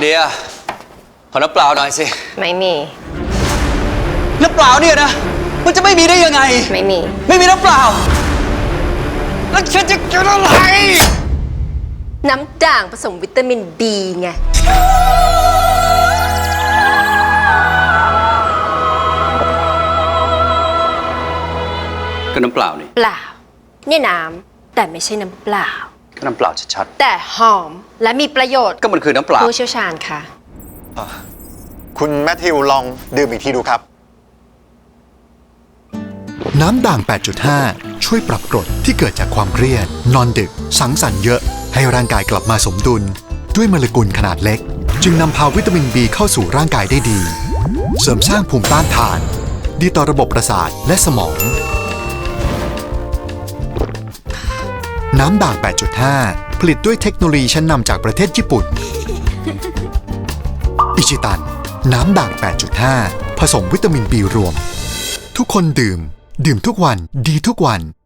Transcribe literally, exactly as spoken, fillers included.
เดียขอน้ำเปล่าหน่อยสิไม่มีน้ำเปล่าเนี่ยนะมันจะไม่มีได้ยังไงไม่มีไม่มีน้ำเปล่าแล้วฉันจะกินอะไรน้ำด่างผสมวิตามินบีไงก็น้ำเปล่านี่เปล่าเนี่ยน้ำแต่ไม่ใช่น้ำเปล่าก็น้ำเปล่าชัดๆแต่หอมและมีประโยชน์ก็มันคือน้ำเปล่าผู้เชี่ยวชาญค่ะคุณแมทธิวลองดื่มอีกทีดูครับน้ำด่าง แปดจุดห้า ช่วยปรับกรดที่เกิดจากความเครียด นอนดึก สังสรรค์เยอะ ให้ร่างกายกลับมาสมดุล ด้วยโมเลกุลขนาดเล็ก จึงนำพาวิตามิน บี เข้าสู่ร่างกายได้ดี เสริมสร้างภูมิต้านทาน ดีต่อระบบประสาทและสมอง น้ำด่าง แปดจุดห้า ผลิตด้วยเทคโนโลยีชั้นนำจากประเทศญี่ปุ่น อิชิตัน น้ำด่าง แปดจุดห้า ผสมวิตามิน บี รวม ทุกคนดื่ม ดื่มทุกวัน ดีทุกวัน